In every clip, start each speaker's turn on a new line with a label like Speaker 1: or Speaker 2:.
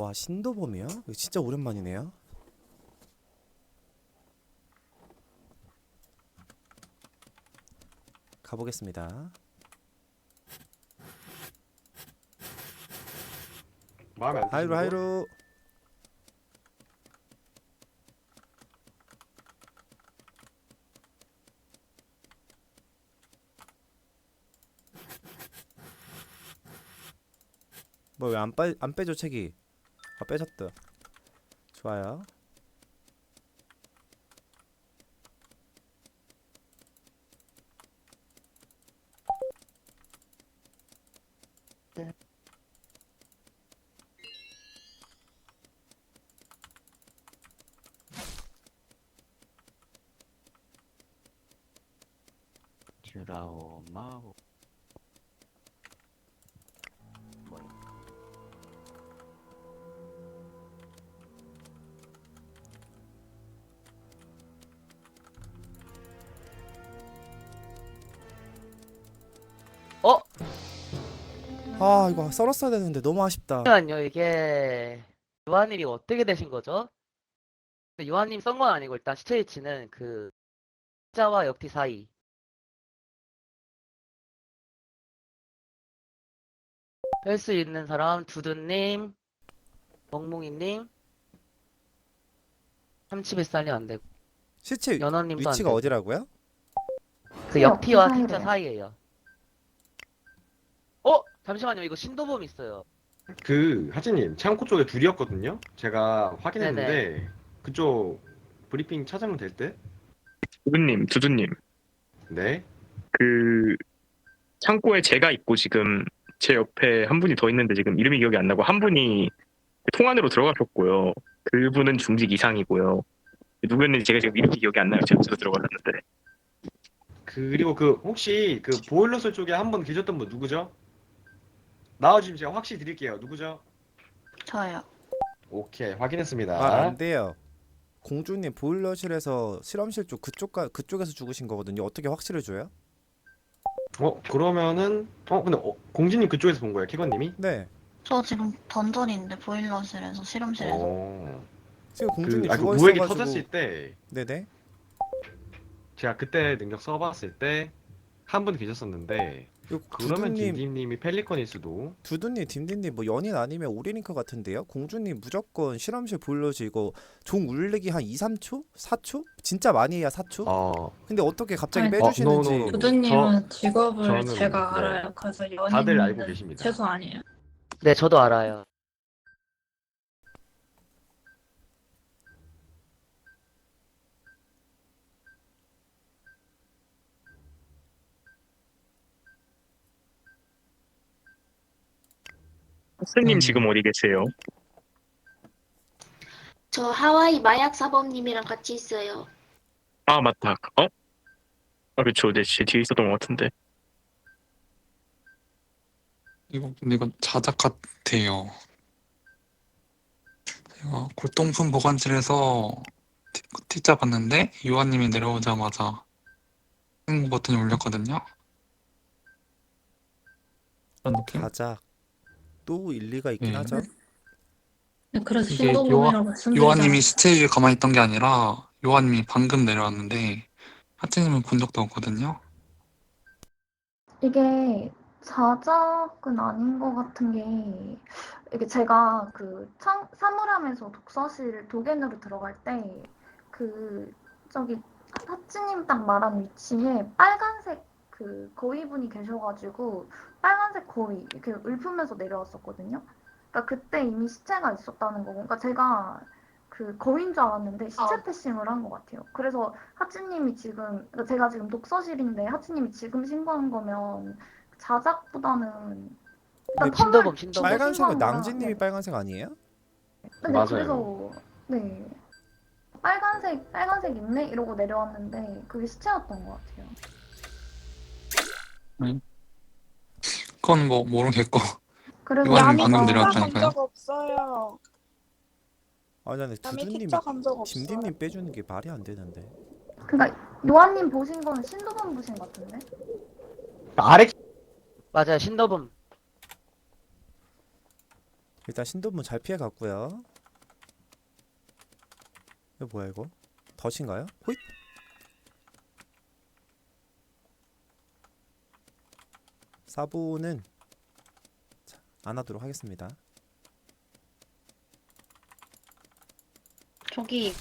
Speaker 1: 와, 신도범이요? 이거 진짜 오랜만이네요. 가보겠습니다.
Speaker 2: 마음에 안
Speaker 1: 하이루
Speaker 2: 드시는 거?
Speaker 1: 하이루. 뭐 왜 안 빼줘 책이? 아, 빼졌다. 좋아요.
Speaker 3: 드라오 마오. 어?
Speaker 1: 아, 이거 썰었어야 되는데 너무 아쉽다.
Speaker 3: 잠시만요. 이게 요한님이 어떻게 되신 거죠? 근데 요한님 썬 건 아니고 일단 시체 위치는 그 자와 역티 사이. 뺄 수 있는 사람 두두님, 멍뭉이님, 31살이 안 되고
Speaker 1: 시체
Speaker 3: 연어님도 안
Speaker 1: 위치가
Speaker 3: 되고
Speaker 1: 어디라고요?
Speaker 3: 그
Speaker 4: 역티
Speaker 3: 역티와 T자
Speaker 4: 사이래요.
Speaker 3: 사이에요. 잠시만요. 이거 신도범 있어요.
Speaker 2: 하진님 창고 쪽에 둘이었거든요. 제가
Speaker 3: 네네.
Speaker 2: 확인했는데 그쪽 브리핑 찾으면 될 듯?
Speaker 5: 두두님,
Speaker 2: 네.
Speaker 5: 그 창고에 제가 있고 지금 제 옆에 한 분이 더 있는데 지금 이름이 기억이 안 나고 한 분이 통 안으로 들어가셨고요. 그분은 중직 이상이고요. 누구였는지 제가 지금 이름이 기억이 안 나요. 제가 저도 들어갔는데.
Speaker 2: 그리고 그 혹시 그 보일러실 쪽에 한 분 계셨던 분 누구죠? 나와주시면 제가 확실히 드릴게요. 누구죠?
Speaker 4: 저요.
Speaker 2: 오케이,
Speaker 1: 말
Speaker 2: 확인했습니다.
Speaker 1: 안 돼요. 공주님 보일러실에서 실험실 쪽 그쪽에서 죽으신 거거든요. 어떻게 확실히 줘요?
Speaker 2: 그러면은 근데 공진님 그쪽에서 본 거예요, 캐건님이?
Speaker 1: 네.
Speaker 4: 저 지금 던전인데 보일러실에서 실험실에서.
Speaker 1: 지금 공주님
Speaker 2: 그
Speaker 1: 죽어
Speaker 2: 무액이
Speaker 1: 있어가지고.
Speaker 2: 터졌을 때
Speaker 1: 네네.
Speaker 2: 제가 그때 능력 써봤을 때 한 분 계셨었는데
Speaker 1: 이거
Speaker 2: 그러면 딘딘님이 펠리컨일 수도.
Speaker 1: 두두님, 딘딘님 뭐 연인 아니면 오리링크 같은데요? 공주님 무조건 실험실 보일러실 이거 종 울리기 한 2, 3초? 4초? 진짜 많이 해야 4초? 근데 어떻게 갑자기
Speaker 6: 아니,
Speaker 1: 빼주시는지.
Speaker 2: 노노노.
Speaker 6: 두두님은 직업을
Speaker 2: 저는,
Speaker 6: 제가
Speaker 2: 네.
Speaker 6: 알아요. 그래서
Speaker 2: 다들 알고
Speaker 6: 연인은
Speaker 2: 계십니다.
Speaker 6: 최소 아니에요.
Speaker 3: 네, 저도 알아요.
Speaker 5: 스님 지금 어디 계세요?
Speaker 7: 저 하와이 마약 사범님이랑 같이 있어요.
Speaker 5: 아 맞다. 아 그쵸. 네, 제 뒤에 있었던 것 같은데.
Speaker 8: 근데 이거 자작 같아요. 제가 골동품 보관실에서 T자 봤는데 요한님이 내려오자마자 땡 버튼이 울렸거든요. 그런 느낌?
Speaker 1: 가작. 또 일리가 있긴
Speaker 8: 네.
Speaker 1: 하죠.
Speaker 6: 네, 그래서
Speaker 8: 이게
Speaker 6: 신도범이라고 말씀드리잖아요.
Speaker 8: 요한님이 시체 위에 가만히 있던 게 아니라 요한님이 방금 내려왔는데 하트님은 본 적도 없거든요.
Speaker 4: 이게 자작은 아닌 것 같은 게 이게 제가 그 사물함에서 독서실 도견으로 들어갈 때 그 저기 하찌님 딱 말한 위치에 빨간색 그 거위분이 계셔가지고 빨간색 거위 이렇게 읊으면서 내려왔었거든요. 그러니까 그때 이미 시체가 있었다는 거고, 그러니까 제가 그 거위인 줄 알았는데 시체 패싱을 한 것 같아요. 그래서 하찌님이 지금, 그러니까 제가 지금 독서실인데 하찌님이 지금 신고한 거면 자작보다는 일단
Speaker 3: 네, 신도범,
Speaker 4: 텀을
Speaker 3: 신도범.
Speaker 4: 두고
Speaker 1: 빨간색은
Speaker 4: 신고한 거라.
Speaker 1: 낭진님이
Speaker 4: 네.
Speaker 1: 빨간색 아니에요?
Speaker 4: 네,
Speaker 2: 맞아요.
Speaker 4: 그래서 네 빨간색 있네 이러고 내려왔는데 그게 시체였던 것 같아요.
Speaker 8: 그건 뭐 모르겠고
Speaker 4: 그래서
Speaker 8: 요한님
Speaker 9: 야미
Speaker 8: 방금
Speaker 9: 티자
Speaker 8: 내려왔다니까요.
Speaker 9: 간 적 없어요.
Speaker 1: 아니, 나는
Speaker 9: 야미
Speaker 1: 두두님,
Speaker 9: 티자 간 적 없어요.
Speaker 1: 딘딘님 빼주는 게 말이 안 되는데.
Speaker 4: 그러니까 요한님 보신 거는 신도범 보신 것 같은데?
Speaker 2: 아래
Speaker 3: 맞아요. 신도범.
Speaker 1: 일단 신도분 잘 피해 갔고요. 이거 뭐야 이거? 덫인가요? 호잇. 사보는 자, 안 하도록 하겠습니다.
Speaker 9: 저기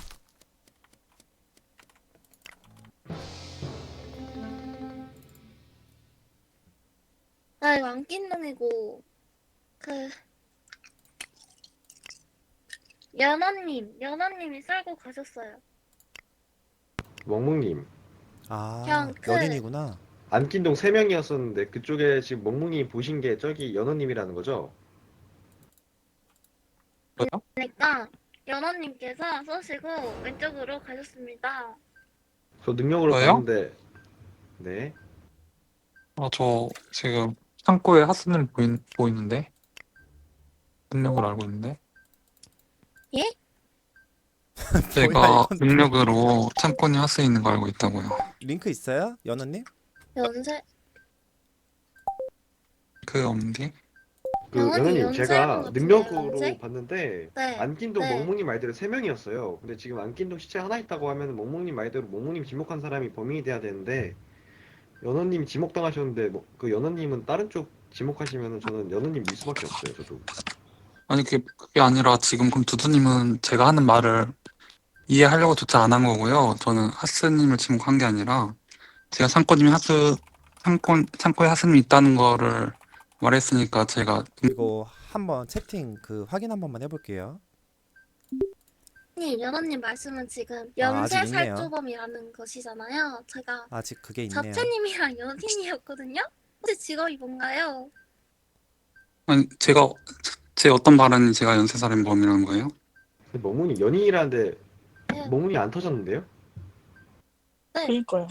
Speaker 7: 나 이거 안 낀 놈이고 연어님이 썰고 가셨어요.
Speaker 2: 멍멍님
Speaker 1: 아,
Speaker 7: 그냥
Speaker 1: 연인이구나.
Speaker 2: 안킨동 3명이었었는데 그쪽에 지금 멍멍님이 보신 게 저기 연어님이라는 거죠?
Speaker 5: 뭐요?
Speaker 7: 그러니까 연어님께서 쏘시고 왼쪽으로 가셨습니다.
Speaker 2: 저 능력으로
Speaker 8: 저요?
Speaker 2: 봤는데 네.
Speaker 8: 저 지금 창고에 하스는 보이는데 능력을 알고 있는데.
Speaker 7: 예?
Speaker 1: 뭐야,
Speaker 8: 제가
Speaker 1: 이건.
Speaker 8: 능력으로 창고에 하스 있는 거 알고 있다고요.
Speaker 1: 링크 있어요? 연어님?
Speaker 7: 연세
Speaker 8: 그 없는데?
Speaker 2: 그
Speaker 7: 연어님
Speaker 2: 연어님
Speaker 7: 연세인
Speaker 2: 제가
Speaker 7: 것 같은데요,
Speaker 2: 능력으로
Speaker 7: 연세?
Speaker 2: 봤는데
Speaker 7: 네.
Speaker 2: 안킨동
Speaker 7: 네.
Speaker 2: 멍멍님 말대로 3명이었어요. 근데 지금 안킨동 시체 하나 있다고 하면 멍멍님 말대로 멍멍님 지목한 사람이 범인이 돼야 되는데 연어님 지목당하셨는데 그 연어님은 다른 쪽 지목하시면은 저는 연어님 밀 수밖에 없어요. 저도.
Speaker 8: 아니 그게 아니라 지금 그럼 두두님은 제가 하는 말을 이해하려고 조차 안 한 거고요. 저는 하스님을 지목한 게 아니라 제가 창고에 하스님이 있다는 거를 말했으니까 제가
Speaker 1: 이거 한번 채팅 그 확인 한 번만 해볼게요.
Speaker 7: 연어님 말씀은 지금
Speaker 1: 아직
Speaker 7: 연쇄
Speaker 1: 있네요.
Speaker 7: 살주범이라는 것이잖아요. 제가
Speaker 1: 아직 그게 있네요.
Speaker 7: 자체님이랑 연인이었거든요. 혹시 직업이 뭔가요?
Speaker 8: 아니 제 어떤 발언이 제가 연쇄살인범이라는 거예요?
Speaker 2: 근데 멍멍님 연인이라는데
Speaker 7: 네.
Speaker 2: 멍멍이 안 터졌는데요?
Speaker 9: 그니까요.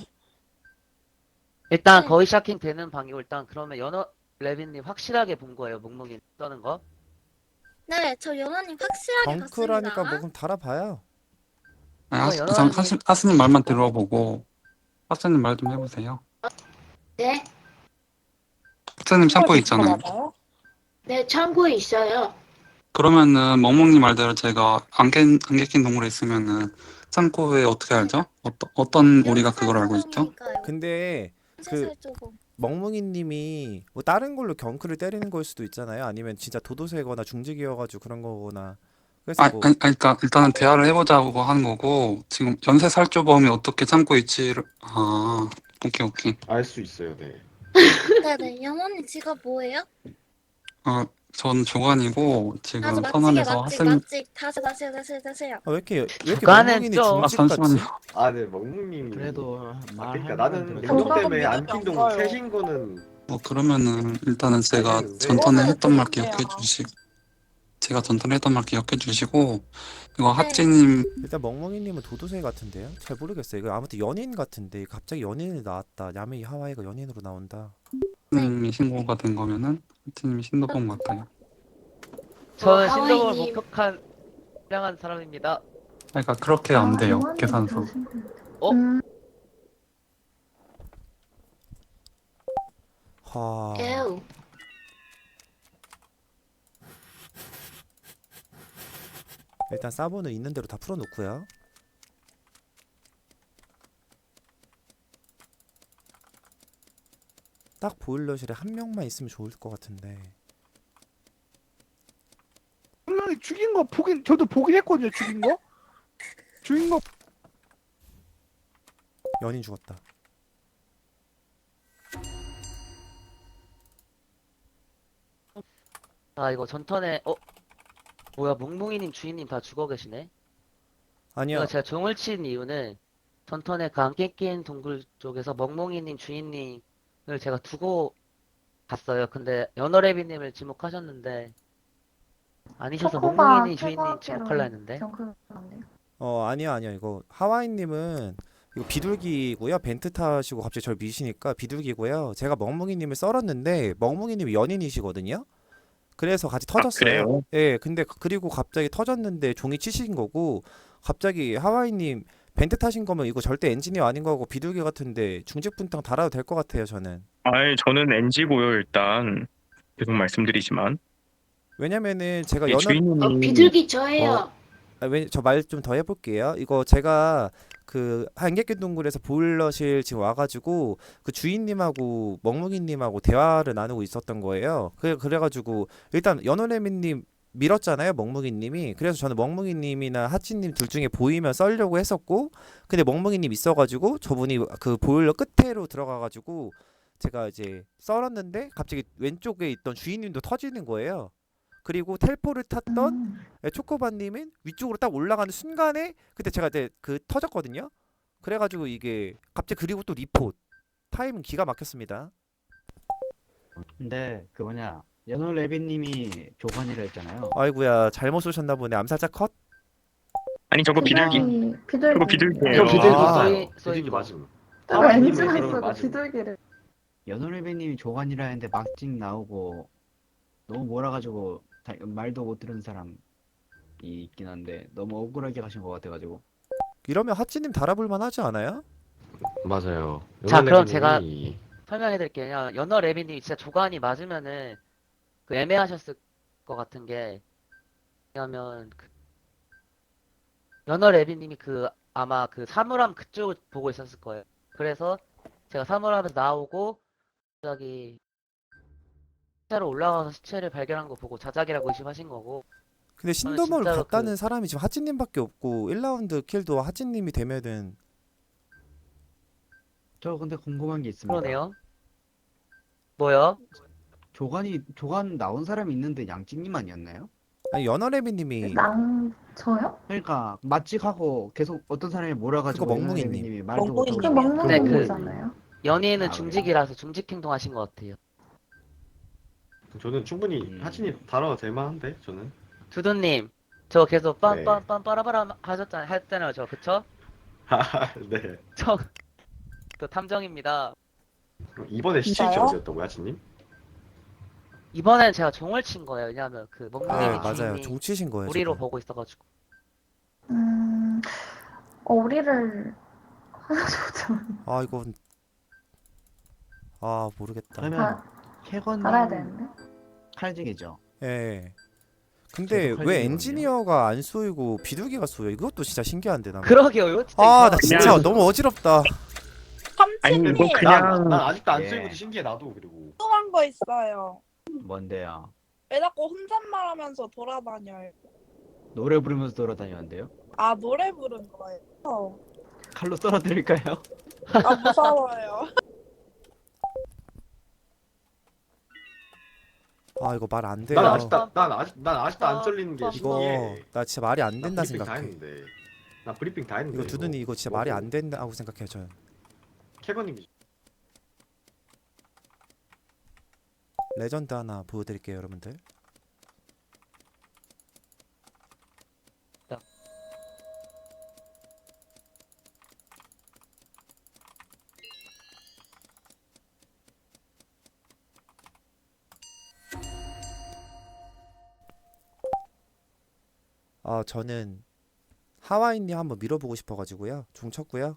Speaker 3: 일단
Speaker 7: 네.
Speaker 3: 거의 샤킹 되는 방이고 일단 그러면 연어 레빈님 확실하게 본 거예요. 묵묵이 떠는 거.
Speaker 7: 네, 저 연어님 확실하게
Speaker 1: 덩크라니까 뭐
Speaker 7: 봤습니다.
Speaker 1: 그럼 달아봐요.
Speaker 8: 아니,
Speaker 3: 이거
Speaker 8: 우선
Speaker 3: 연어님이-
Speaker 8: 하스님 말만 들어보고 하스님 말 좀 해보세요.
Speaker 7: 네,
Speaker 8: 하스님 창고에 있잖아요.
Speaker 9: 맞아요?
Speaker 7: 네, 창고에 있어요.
Speaker 8: 그러면은 멍멍님 말대로 제가 안개 낀 동굴에 있으면은 창고에 어떻게 알죠? 어떤 우리가 그걸 알고 있죠?
Speaker 1: 근데 그
Speaker 7: 살주범.
Speaker 1: 멍멍이님이 뭐 다른 걸로 경크를 때리는 걸 수도 있잖아요. 아니면 진짜 도도새거나 중직이어가지고 그런 거거나. 그래서 뭐
Speaker 8: 그러니까 일단은 대화를 해보자고 하는 거고 지금 연쇄살주범이 어떻게 창고에 있지를 오케이.
Speaker 2: 알 수 있어요. 네.
Speaker 7: 네네, 연어님 직업 뭐예요?
Speaker 8: 전 조관이고 지금
Speaker 7: 다시
Speaker 8: 선언에서 하스님
Speaker 7: 다시요.
Speaker 1: 왜 이렇게
Speaker 3: 주간은
Speaker 1: 멍멍이니
Speaker 3: 좀-
Speaker 1: 중직 같지?
Speaker 8: 잠시만요.
Speaker 2: 아, 네, 멍멍님이.
Speaker 10: 그래도
Speaker 2: 그러니까
Speaker 10: 말하는
Speaker 2: 나는
Speaker 10: 대로
Speaker 2: 능력
Speaker 9: 저거는
Speaker 2: 때문에
Speaker 9: 믿어도
Speaker 2: 안킨동
Speaker 9: 안 가요.
Speaker 2: 셋인 거는
Speaker 8: 그러면은 일단은 제가
Speaker 2: 알겠는데.
Speaker 8: 전턴에
Speaker 9: 그거는
Speaker 8: 했던 말
Speaker 9: 그런데요.
Speaker 8: 기억해 주시고 제가 전턴에 했던 말 기억해 주시고 이거
Speaker 7: 네.
Speaker 8: 하찌님
Speaker 1: 일단 멍멍이님은 도도새 같은데요? 잘 모르겠어요. 이거 아무튼 연인 같은데 갑자기 연인이 나왔다. 야메이 하와이가 연인으로 나온다.
Speaker 8: 님이 신고가 된 거면은 하찌님이 신고본 것 같아요.
Speaker 3: 저는
Speaker 7: 하와이님.
Speaker 3: 신동을 목격한 훌륭한 사람입니다.
Speaker 8: 그러니까 그렇게 안 돼요
Speaker 4: 요한님
Speaker 8: 계산서.
Speaker 4: 들으신 분.
Speaker 3: 어?
Speaker 1: 하.
Speaker 7: 에우.
Speaker 1: 일단 사보는 있는 대로 다 풀어놓고요. 딱 보일러실에 한 명만 있으면 좋을 것 같은데.
Speaker 10: 분명히 죽인 거 저도 보긴 했거든요. 죽인 거
Speaker 1: 연인 죽었다.
Speaker 3: 이거 전턴에 뭐야 묵묵이님 주인님 다 죽어 계시네.
Speaker 1: 아니요.
Speaker 3: 제가 종을 친 이유는 전턴에 그 안개 낀 동굴 쪽에서 멍멍이님 주인님을 제가 두고 갔어요. 근데 연어레비님을 지목하셨는데 아니셔서
Speaker 4: 초코가
Speaker 3: 멍멍이님 주인님
Speaker 4: 최고하기로
Speaker 3: 지목하려 했는데.
Speaker 4: 기억하는데요.
Speaker 1: 아니요. 이거 하와이님은 이거 비둘기고요. 벤트 타시고 갑자기 절 미시니까 비둘기고요. 제가 멍멍이님을 썰었는데 멍멍이님이 연인이시거든요. 그래서 같이 터졌어요.
Speaker 5: 그래요?
Speaker 1: 예, 근데 그리고 갑자기 터졌는데 종이 치신 거고 갑자기 하와이님 벤트 타신 거면 이거 절대 엔지니어 아닌 거고 비둘기 같은데 중직분탕 달아도 될 것 같아요 저는.
Speaker 5: 저는 NG고요 일단 계속 말씀드리지만
Speaker 1: 왜냐면은 제가
Speaker 5: 예,
Speaker 1: 연어
Speaker 5: 주인님이
Speaker 7: 비둘기 저예요.
Speaker 1: 저 말 좀 더 해볼게요. 이거 제가 그 한객길 동굴에서 보일러실 지금 와가지고 그 주인님하고 멍멍이님하고 대화를 나누고 있었던 거예요. 그래가지고 일단 연어레미님 밀었잖아요, 멍멍이님이. 그래서 저는 멍멍이님이나 하치님 둘 중에 보이면 썰려고 했었고, 근데 멍멍이님 있어가지고 저분이 그 보일러 끝에로 들어가가지고 제가 이제 썰었는데 갑자기 왼쪽에 있던 주인님도 터지는 거예요. 그리고 텔포를 탔던 초코바님은 위쪽으로 딱 올라가는 순간에 그때 제가 이제 그 터졌거든요. 그래가지고 이게 갑자기 그리고 또 리포트 타임은 기가 막혔습니다.
Speaker 11: 근데 그 뭐냐 연호 레비님이 교관이라 했잖아요.
Speaker 1: 아이고야 잘못 쏘셨나 보네. 암살자 컷.
Speaker 5: 아니 저거 비둘기 저거 비둘기예요.
Speaker 2: 저 비둘기
Speaker 1: 아.
Speaker 2: 맞아요.
Speaker 3: 쏘인
Speaker 2: 비둘기
Speaker 3: 거.
Speaker 2: 맞음.
Speaker 4: 왜
Speaker 2: 하와이님은
Speaker 4: 엔진을
Speaker 2: 그러면
Speaker 4: 쓰고
Speaker 2: 맞음.
Speaker 4: 비둘기를.
Speaker 11: 연호 레비님이 교관이라 했는데 막직 나오고 너무 몰아가지고 말도 못 들은 사람이 있긴 한데 너무 억울하게 가신 것 같아가지고.
Speaker 1: 이러면 하찌님 달아볼만 하지 않아요?
Speaker 2: 맞아요.
Speaker 3: 자, 그럼
Speaker 2: 연어레비님이
Speaker 3: 설명해드릴게요. 연어 레비님이 진짜 조관이 맞으면은 그 애매하셨을 것 같은 게 왜냐면 그 연어 레비님이 그 아마 그 사물함 그쪽을 보고 있었을 거예요. 그래서 제가 사물함에서 나오고 갑자기 시체로 올라가서 시체를 발견한 거 보고 자작이라고 의심하신 거고.
Speaker 1: 근데
Speaker 3: 저는
Speaker 1: 신도몰
Speaker 3: 진짜로
Speaker 1: 갔다는 사람이 지금 하찌님밖에 없고 1라운드 킬도 하찌님이 되면은
Speaker 11: 저 근데 궁금한 게 있습니다.
Speaker 3: 그러네요. 뭐요?
Speaker 11: 교관 나온 사람이 있는데 양찍님 아니었나요?
Speaker 1: 아니 연어레미님이
Speaker 4: 저요?
Speaker 11: 그러니까 맞직하고 계속 어떤 사람이 몰아가지고
Speaker 1: 그거
Speaker 11: 연호
Speaker 1: 멍뭉이님.
Speaker 11: 레비님이 말도
Speaker 9: 멍뭉이님.
Speaker 11: 못하고
Speaker 4: 그게
Speaker 11: 그러고
Speaker 3: 네, 그-
Speaker 4: 멍멍이잖아요.
Speaker 3: 연예인은
Speaker 11: 아,
Speaker 3: 중직이라서 중직 행동하신 것 같아요.
Speaker 2: 저는 충분히 하치님 달아도 될 만한데 저는.
Speaker 3: 두두님, 저 계속
Speaker 2: 네.
Speaker 3: 빰빰빰 빠라바라 했잖아요, 저 그쵸?
Speaker 2: 네.
Speaker 3: 저 탐정입니다.
Speaker 2: 이번에 시체 위치
Speaker 9: 진짜요?
Speaker 2: 어디였다고요, 하치님?
Speaker 3: 이번엔 제가 종을 친 거예요. 왜냐면 그
Speaker 1: 네
Speaker 3: 멍멍이님
Speaker 1: 맞아요.
Speaker 3: 주인이
Speaker 1: 종치신 거예요.
Speaker 3: 우리로
Speaker 1: 지금.
Speaker 3: 보고 있어가지고.
Speaker 4: 우리를 하셔도
Speaker 1: 아 이건 아 모르겠다.
Speaker 11: 그러면 캐건님
Speaker 4: 달아야 되는데.
Speaker 11: 칼직이죠.
Speaker 1: 예. 근데
Speaker 11: 저도
Speaker 1: 왜
Speaker 11: 칼직이거든요.
Speaker 1: 엔지니어가 안 쏘이고 비둘기가 쏘여? 이것도 진짜 신기한데 나.
Speaker 3: 그러게요, 진짜
Speaker 1: 아 나
Speaker 3: 이상하다.
Speaker 1: 진짜
Speaker 5: 그냥-
Speaker 1: 너무 어지럽다.
Speaker 5: 아니
Speaker 9: 삼촌님
Speaker 5: 이거 그냥
Speaker 2: 난 아직도 안
Speaker 11: 예.
Speaker 2: 쓰이고도 신기해 나도 그리고.
Speaker 9: 궁금한 거 있어요.
Speaker 11: 뭔데요?
Speaker 9: 왜 자꾸 혼잣말하면서 돌아다녀요?
Speaker 11: 노래 부르면서 돌아다녔는데요?
Speaker 9: 아 노래 부른 거예요?
Speaker 11: 칼로 썰어드릴까요?
Speaker 9: 아 무서워요.
Speaker 1: 아 이거 말 안 돼요.
Speaker 2: 난 아직도 안 썰리는 게
Speaker 1: 이거
Speaker 2: 신기해.
Speaker 1: 나 진짜 말이 안
Speaker 2: 나
Speaker 1: 된다
Speaker 2: 브리핑 다
Speaker 1: 생각해.
Speaker 2: 했는데. 나 브리핑 다 했는데.
Speaker 1: 이거 두둔이 이거 진짜 말이 안 된다고 생각해요 저는.
Speaker 2: 캐건님이
Speaker 1: 레전드 하나 보여드릴게요 여러분들. 저는 하와이님 한번 밀어보고 싶어가지고요. 종 쳤고요.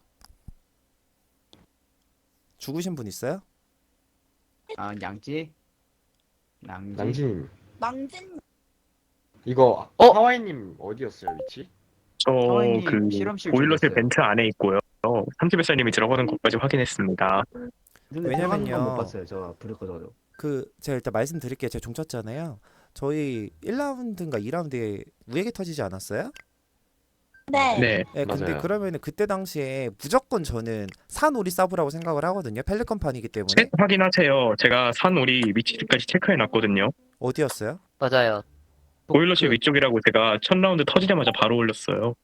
Speaker 1: 죽으신 분 있어요?
Speaker 11: 아 양찌?
Speaker 2: 낭진
Speaker 9: 낭진
Speaker 2: 이거
Speaker 3: 어?
Speaker 2: 하와이님 어디였어요 위치?
Speaker 11: 하와이님
Speaker 5: 저 그
Speaker 11: 실험실
Speaker 5: 보일러실
Speaker 11: 죽었어요.
Speaker 5: 벤트 안에 있고요. 30회사님이 들어가는 것까지 확인했습니다.
Speaker 11: 근데
Speaker 1: 왜냐면요.
Speaker 11: 들어가는 건못 봤어요. 저 불을 꺼져도.
Speaker 1: 제가 일단 말씀드릴게요. 제가 종 쳤잖아요. 저희 1라운드인가 2라운드에 우에게 터지지 않았어요?
Speaker 9: 네.
Speaker 5: 네.
Speaker 1: 네, 근데
Speaker 2: 맞아요.
Speaker 1: 그러면은 그때 당시에 무조건 저는 산오리 서브라고 생각을 하거든요. 펠리컨판이기 때문에.
Speaker 5: 확인하세요. 제가 산오리 위치까지 체크해놨거든요.
Speaker 1: 어디였어요?
Speaker 3: 맞아요.
Speaker 5: 보일러실
Speaker 3: 그-
Speaker 5: 위쪽이라고 제가 첫 라운드 터지자마자 바로 올렸어요.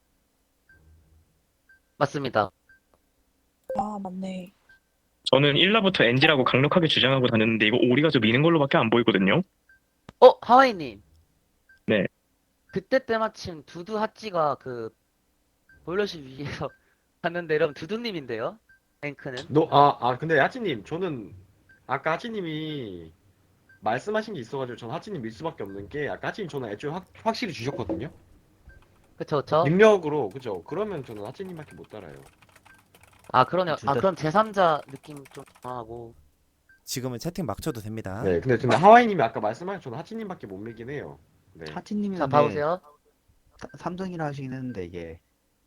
Speaker 3: 맞습니다.
Speaker 9: 아 맞네.
Speaker 5: 저는 1라부터 NG라고 강력하게 주장하고 다녔는데 이거 오리가 저 미는 걸로밖에 안 보이거든요.
Speaker 3: 하와이님.
Speaker 5: 네.
Speaker 3: 그때 때마침 두두 핫지가 그 보일러실 위에서 갔는데 여러분 두두님인데요? 랭크는?
Speaker 2: 근데 하치님 저는 아까 하치님이 말씀하신 게 있어가지고 저는 하치님 밀 수밖에 없는 게 아까 하치님 저는 애초에 확실히 주셨거든요.
Speaker 3: 그쵸, 그쵸?
Speaker 2: 능력으로 그죠? 그러면 저는 하치님밖에 못 따라요.
Speaker 3: 아, 그러네요.
Speaker 11: 둘 다-
Speaker 3: 그럼 제3자 느낌 좀 강하고.
Speaker 1: 지금은 채팅 막 쳐도 됩니다.
Speaker 2: 네, 근데 하와이님이 아까 말씀하신 저는 하치님밖에 못 믿긴 해요. 네.
Speaker 11: 하티님이
Speaker 3: 자, 봐보세요.
Speaker 11: 삼성이라 하시긴 했는데 이게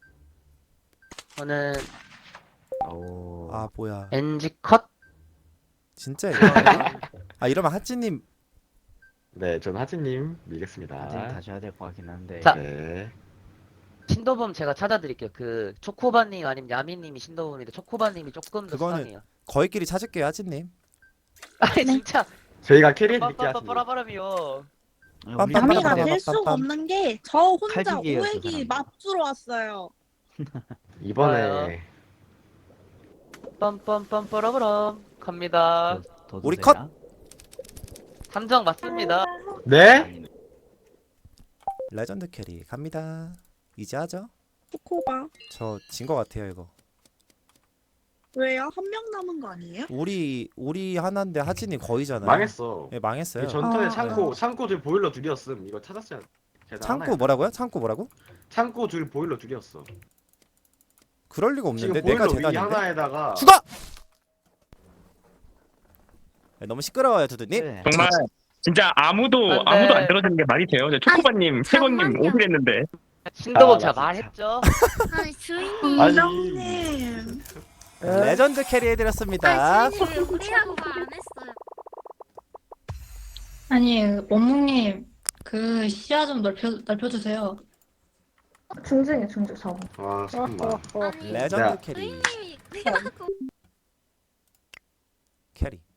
Speaker 3: 저는
Speaker 11: 오
Speaker 1: 아 뭐야
Speaker 3: NG 컷.
Speaker 1: 진짜 이거 아 이러면 하찌님
Speaker 2: 네, 저는 하치님
Speaker 11: 하티님
Speaker 2: 믿겠습니다.
Speaker 11: 다시 해야 될 것 같긴 한데
Speaker 3: 자.
Speaker 2: 네.
Speaker 3: 신도범 제가 찾아드릴게요. 그 초코바님 아니면 야미님이 신도범인데 초코바님이 조금 더
Speaker 1: 그거는-
Speaker 3: 수상해요.
Speaker 1: 거의끼리 찾을게요 하찌님.
Speaker 3: 아니 진짜
Speaker 2: 저희가 캐리해드릴게요, 하치님.
Speaker 3: 빠빠빠빠라바람이요.
Speaker 11: 우리
Speaker 1: 빰빰빰빰빰.
Speaker 9: 야미가
Speaker 1: 빰빰빰빰.
Speaker 9: 될 수가 없는 게 저 혼자
Speaker 11: 칼직이에요, 그
Speaker 9: 오액이
Speaker 11: 사람은.
Speaker 9: 맞주러 왔어요.
Speaker 2: 이번에
Speaker 3: 빰빰빰빠라바람 갑니다.
Speaker 11: 더
Speaker 1: 우리
Speaker 11: 드세요?
Speaker 3: 함정 맞습니다.
Speaker 2: 네?
Speaker 11: 아니네.
Speaker 1: 레전드 캐리 갑니다. 이제 하죠?
Speaker 9: 코코바.
Speaker 1: 저 진 거 같아요 이거.
Speaker 9: 왜요? 한 명 남은 거 아니에요?
Speaker 1: 우리 하나인데 하찌님 거의잖아요.
Speaker 2: 망했어.
Speaker 1: 네 망했어요.
Speaker 2: 전턴에
Speaker 9: 아.
Speaker 2: 창고 둘 보일러 둘이었음. 이거 찾았어야 되나?
Speaker 1: 창고 뭐라고요? 창고 뭐라고?
Speaker 2: 창고 둘 보일러 둘이었어.
Speaker 1: 그럴 리가
Speaker 2: 지금
Speaker 1: 없는데
Speaker 2: 보일러
Speaker 1: 내가
Speaker 2: 위
Speaker 1: 재단인데.
Speaker 2: 하나에다가
Speaker 1: 죽어! 네, 너무 시끄러워요 두두님.
Speaker 11: 네.
Speaker 5: 정말 진짜 아무도
Speaker 3: 안 돼.
Speaker 5: 아무도 안 들어주는 게 말이 돼요. 초코바님, 세건님
Speaker 7: 잠깐만요.
Speaker 5: 오그랬는데
Speaker 3: 신도범
Speaker 2: 아,
Speaker 3: 제가
Speaker 2: 나
Speaker 3: 말했죠.
Speaker 7: 아니 주인님.
Speaker 2: 아니
Speaker 9: 님
Speaker 1: 레전드 캐리 해드렸습니다.
Speaker 7: 아니 주인님 왜 우리라고 말 안 했어요?
Speaker 6: 아니, 원묵님, 그 시야 좀 넓혀주세요.
Speaker 4: 중중이에요, 중중 저거.
Speaker 2: 아 잠깐만.
Speaker 7: 아니
Speaker 1: 레전드
Speaker 2: 야.
Speaker 1: 캐리
Speaker 7: 주인님이 내가
Speaker 1: 캐리.